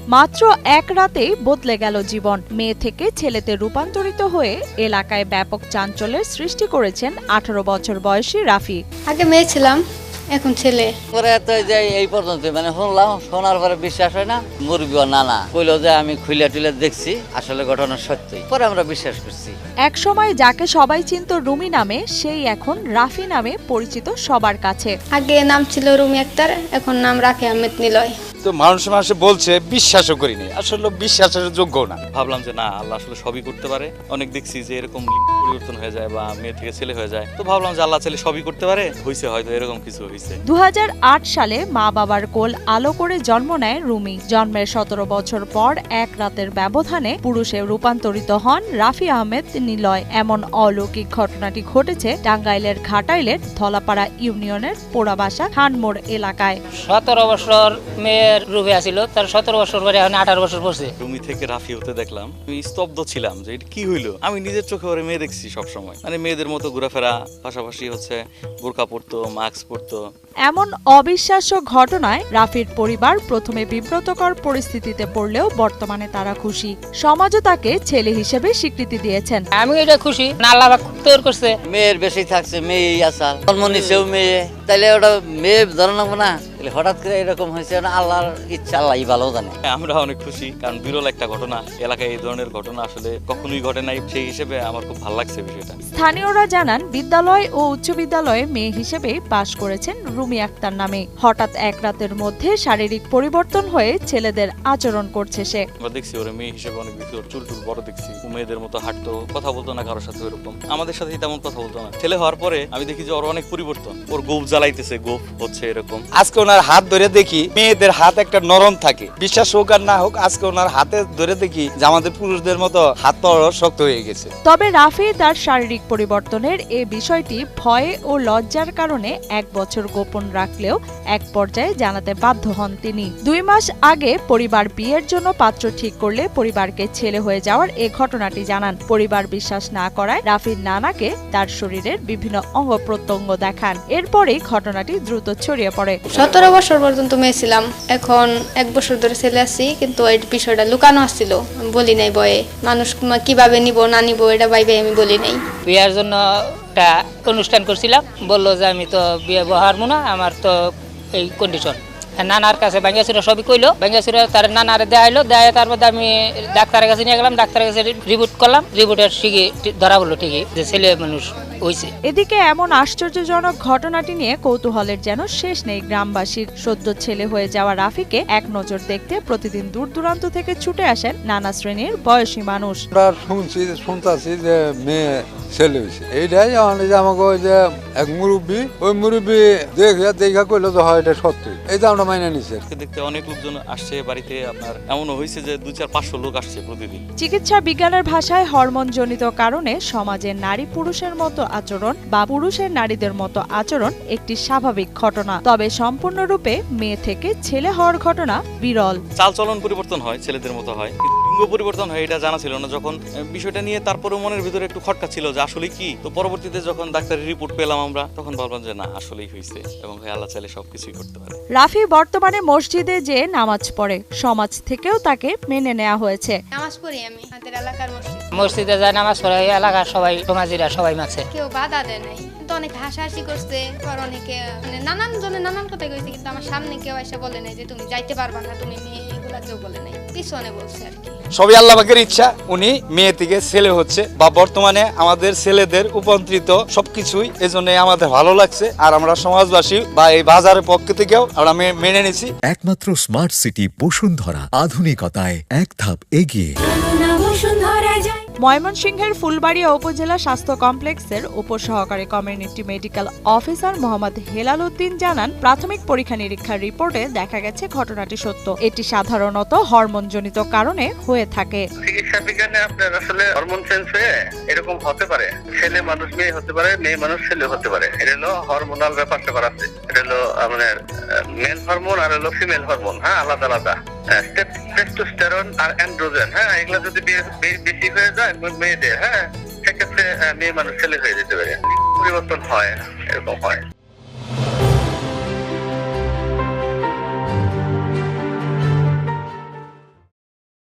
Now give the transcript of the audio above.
মাত্র এক রাতেই বদলে গেল জীবন। মেয়ে থেকে ছেলেতে রূপান্তরিত হয়ে এলাকায় ব্যাপক চাঞ্চল্যের সৃষ্টি করেছেন 18 বছর বয়সী রাফি। আগে মেয়ে ছিলাম, এখন ছেলে। এই পর্যন্ত শুনলাম, শোনার পরে বিশ্বাস হয় না। মুরগিও নানা কইলো যে আমি খুলে টুলে দেখছি, আসলে ঘটনা সত্যি, পরে আমরা বিশ্বাস করছি। এক সময় যাকে সবাই চিনত রুমি নামে, সেই এখন রাফি নামে পরিচিত সবার কাছে। আগে নাম ছিল রুমি আক্তার, এখন নাম রাফি আহমেদ নিলয়। তো মানুষে বলছে, বিশ্বাসও করিনি, আসলে বিশ্বাসের যোগ্য না। ভাবলাম যে না, আল্লাহ আসলে সবই করতে পারে। অনেক দেখছি যে এরকম পরিবর্তন হয়ে যায় বা মেয়ে থেকে ছেলে হয়ে যায়, তো ভাবলাম যে আল্লাহ ছেলে সবই করতে পারে, হয়েছে হয়তো এরকম কিছু হয়েছে। 2008 সালে মা বাবার কোল আলো করে জন্ম নেয় রুমি। জন্মের 17 বছর পর এক রাতের ব্যবধানে পুরুষে রূপান্তরিত হন রাফি আহমেদ নিলয়। এমন অলৌকিক ঘটনাটি ঘটেছে টাঙ্গাইলের ঘাটাইলের ধলাপাড়া ইউনিয়নের পোড়াবাসা খানমোড় এলাকায়। 17 বছর মেয়ের রূপে আছিল, তার 17 বছর পরে এখন 18 বছর পড়ছে। রুমি থেকে রাফি হতে দেখলাম, আমি স্তব্ধ ছিলাম যে এটা কি হইলো। আমি নিজের চোখে ওরে মেয়ে দেখছি সবসময়, মানে মেয়েদের মতো ঘোরাফেরা, পাশাপাশি হচ্ছে বোরকা পরতো, মাস্ক পরতো। এমন অবিশ্বাস্য ঘটনায় রাফির পরিবার প্রথমে বিব্রতকর পরিস্থিতিতে পড়লেও বর্তমানে তারা খুশি। সমাজও তাকে ছেলে হিসেবে স্বীকৃতি দিয়েছেন। আমি এটা খুশি, আল্লাহ পাক তৈরি করছে। মেয়ের বেশি থাকছে, মেয়েই আসাল, জন্ম নিছেও মেয়ে, তাইলে ওটা মেয়ে ধরে নেবো না? হঠাৎ করে এরকম হয়েছে, আল্লাহর ইচ্ছা, আল্লাহই ভালো জানে। আমরা অনেক খুশি, কারণ বিরল একটা ঘটনা, এলাকায় এই ধরনের ঘটনা আসলে কখনোই ঘটে নাই। সেই হিসেবে আমার খুব ভালো লাগছে বিষয়টা। স্থানীয়রা জানান, বিদ্যালয় ও উচ্চ বিদ্যালয়ে মেয়ে হিসেবে পাশ করেছেন রুমি আক্তার নামে। হঠাৎ এক রাতের মধ্যে শারীরিক পরিবর্তন হয়ে ছেলেদের আচরণ করছে সে। আমরা দেখছি ওর মেয়ে হিসেবে অনেক বেশি, ওর চুল টুল বড় দেখছি, মেয়েদের মতো হাঁটতো, কথা বলতো না কারোর সাথে এরকম, আমাদের সাথে তেমন কথা বলতো না। ছেলে হওয়ার পরে আমি দেখি যে ওর অনেক পরিবর্তন, ওর গোপ জ্বালাইতেছে, গোপ হচ্ছে এরকম। আজকে ওনার হাত ধরে দেখি, মেয়েদের হাত একটা নরম থাকে, বিশ্বাস হোক আর না হোক, আজকে ওনার হাতে ধরে দেখি যে আমাদের পুরুষদের মতো হাত পা শক্ত হয়ে গেছে। তবে রাফি তার শারীরিক পরিবর্তনের এ বিষয়টি ভয়ে ও লজ্জার কারণে 1 বছর গোপন রাখলেও এক পর্যায়ে জানাতে বাধ্য হন তিনি। 2 মাস আগে পরিবার বিয়ের জন্য পাত্র ঠিক করলে পরিবারকে ছেলে হয়ে যাওয়ার এ ঘটনাটি জানান। পরিবার বিশ্বাস না করায় রাফির নানাকে তার শরীরের বিভিন্ন অঙ্গ প্রত্যঙ্গ দেখান। এরপরেই ঘটনাটি দ্রুত ছড়িয়ে পড়ে। 17 বছর পর্যন্ত মেয়ে ছিলাম, এখন 1 বছর ধরে ছেলে আছি, কিন্তু এই বিষয়টা লুকানো আসছিল, বলি নাই বয়ে। মানুষ কিভাবে নিব না নিব এটা ভাইবে আমি বলি নাই। বিয়ার জন্য একটা অনুষ্ঠান করছিলাম, বললো যে আমি তো বিয়ে বহারবো না, আমার তো এই কন্ডিশন। নানার কাছে বাঙ্গাসুরা সবই কইলো, বাঙ্গাসুরা তার নানারে দেখাইলো, দেয় তারপর আমি ডাক্তারের কাছে নিয়ে গেলাম, ডাক্তারের কাছে রিপোর্ট করলাম, রিপোর্টের ঠিকই ধরা বললো ঠিকই যে ছেলে মানুষ হয়েছে। এদিকে এমন আশ্চর্যজনক ঘটনাটি নিয়ে কৌতূহলের যেন শেষ নেই গ্রামবাসীর। সদ্য ছেলে হয়ে যাওয়া রাফিকে এক নজর দেখতে প্রতিদিন দূর দূরান্ত থেকে ছুটে আসেন নানা শ্রেণীর বয়সী মানুষ। শুনতেছি যে মেয়ে ছেলে হয়েছে, এইটাই আমাকে ওই যে এক মুরব্বী, ওই মুরব্বী দেখা কইলো যে হয় এটা সত্যি, এইটা আমরা মাইনে নিছি। দেখতে অনেক লোকজন আসছে বাড়িতে, আপনার এমনও হয়েছে যে 200-500 লোক আসছে প্রতিদিন। চিকিৎসা বিজ্ঞানের ভাষায় হরমোনজনিত কারণে সমাজে নারী পুরুষের মতো আচরণ বা পুরুষের নারীদের মতো আচরণ একটি স্বাভাবিক ঘটনা। তবে সম্পূর্ণরূপে মেয়ে থেকে ছেলে হওয়ার ঘটনা বিরল। চালচলন পরিবর্তন হয়, ছেলেদের মতো হয়, লিঙ্গ পরিবর্তন হয় এটা জানা ছিল না। যখন বিষয়টা নিয়ে তারপরে মনের ভিতরে একটু খটকা ছিল যে আসলে কি, তো পরবর্তীতে যখন ডাক্তারের রিপোর্ট পেলাম আমরা, তখন ভাবলাম যে না, আসলেই হয়েছে এবং আল্লাহ চাইলে সবকিছুই করতে পারে। রাফি বর্তমানে মসজিদে যে নামাজ পড়ে, সমাজ থেকেও তাকে মেনে নেওয়া হয়েছে। নামাজ পড়ি আমি আমাদের এলাকার মসজিদে যায় নামাজ পড়ে, এলাকার সবাই সমাজিরা সবাই মাছে, কেউ বাধা দেয় নাই, কিন্তু অনেক হাসাহাসি করছে, আর অনেকে নানান জনে নানান কথা কইছে, কিন্তু আমার সামনে কেউ এসে বলে নাই যে তুমি যাইতে পারবা না, তুমি মেয়ে, এগুলা কেউ বলে নাই, পিছনে বলছে আর কি। সবই আল্লাহ পাকের ইচ্ছা, উনি মেয়ে থেকে ছেলে হচ্ছে, বা বর্তমানে আমাদের ছেলেদের উপন্ত্রিত সবকিছুই এজন্য আমাদের ভালো লাগছে, আর আমরা সমাজবাসী বা এই বাজারের পক্ষ থেকেও আমরা মেনে নিছি। একমাত্র স্মার্ট সিটি বসুন্ধরা, আধুনিকতায় এক ধাপ এগিয়ে। ময়মনসিংহের ফুলবাড়িয়া উপজেলা স্বাস্থ্য কমপ্লেক্সের উপসহকারী community medical officer Mohammad Helal Uddin জানান, প্রাথমিক পরীক্ষা নিরীক্ষার রিপোর্টে দেখা গেছে ঘটনাটি সত্য। এটি সাধারণত হরমোনজনিত কারণে হয়ে থাকে। চিকিৎসা বিজ্ঞানে আপনার আসলে হরমোন চেঞ্জ হয়ে এরকম হতে পারে, ছেলে মানুষ মেয়ে হতে পারে, মেয়ে মানুষ ছেলে হতে পারে। এটা হলো হরমোনাল ব্যাপারটা আছে, এটা হলো মানে মেল হরমোন আর হলো ফিমেল হরমোন, হ্যাঁ, আলাদা আলাদা। টেস্টোস্টেরন আর অ্যান্ড্রোজেন, হ্যাঁ, এগুলা যদি বেশি হয়ে যায় মেয়েদের, হ্যাঁ, সেক্ষেত্রে মেয়ে মানুষ ছেলে হয়ে যেতে পারে, পরিবর্তন হয়, এরকম হয়।